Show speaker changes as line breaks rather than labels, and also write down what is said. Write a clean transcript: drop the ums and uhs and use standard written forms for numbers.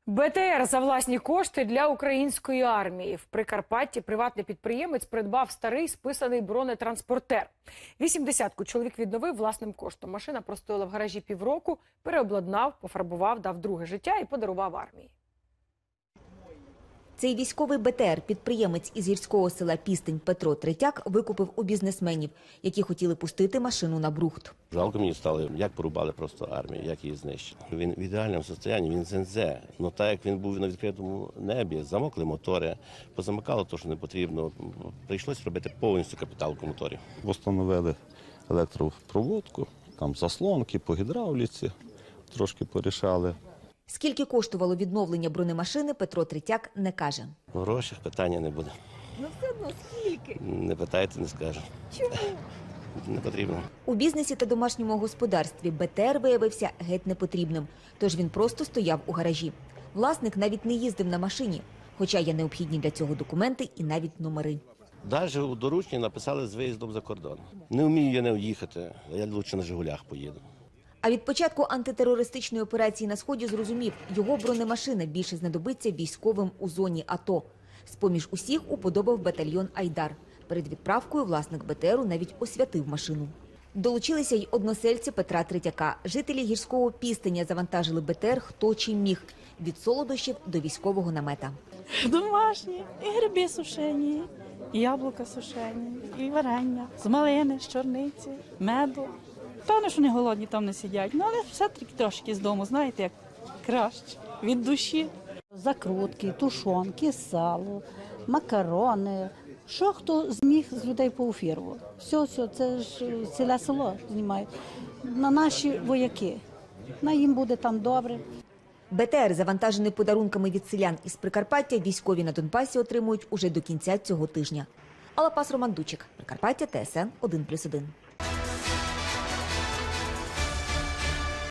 БТР за власні кошти для української армії. В Прикарпатті приватний підприємець придбав старий списаний бронетранспортер. 80-ку чоловік відновив власним коштом. Машина простояла в гаражі півроку, переобладнав, пофарбував, дав друге життя і подарував армії.
Цей військовий БТР підприємець із гірського села Пістень Петро Третяк викупив у бізнесменів, які хотіли пустити машину на брухт.
Жалко мені стало, як порубали просто армію, як її знищили. Він в ідеальному стані, він ЗНЗ. Ну так як він був на відкритому небі, замокли мотори, позамикало те, що не потрібно. Прийшлось робити повністю капіталку моторів.
Встановили електропроводку, там заслонки по гідравліці, трошки порішали.
Скільки коштувало відновлення бронемашини, Петро Третяк не каже.
В грошах питання не буде.
Ну все одно скільки?
Не питайте, не скажу.
Чому?
Не потрібно.
У бізнесі та домашньому господарстві БТР виявився геть непотрібним, тож він просто стояв у гаражі. Власник навіть не їздив на машині, хоча є необхідні для цього документи і навіть номери.
Навіть у доручні написали з виїздом за кордон. Не вмію я не їхати, я краще на «Жигулях» поїду.
А від початку антитерористичної операції на Сході зрозумів, його бронемашина більше знадобиться військовим у зоні АТО. З-поміж усіх уподобав батальйон «Айдар». Перед відправкою власник БТРу навіть освятив машину. Долучилися й односельці Петра Третяка. Жителі гірського Пістеня завантажили БТР хто чим міг – від солодощів до військового намета.
Домашні, і гриби сушені, і яблука сушені, і варення, з малини, з чорниці, меду. Певно, що не голодні там не сидять, але все-таки трошки з дому, знаєте, як краще, від душі.
Закрутки, тушонки, сало, макарони. Що хто зміг з людей поуфірував. Все, це ж ціле село знімають. На наші вояки. На їм буде там добре.
БТР, завантажений подарунками від селян із Прикарпаття, військові на Донбасі отримують уже до кінця цього тижня. Алла Пас, Роман Дучик, Прикарпаття, ТСН 1+1.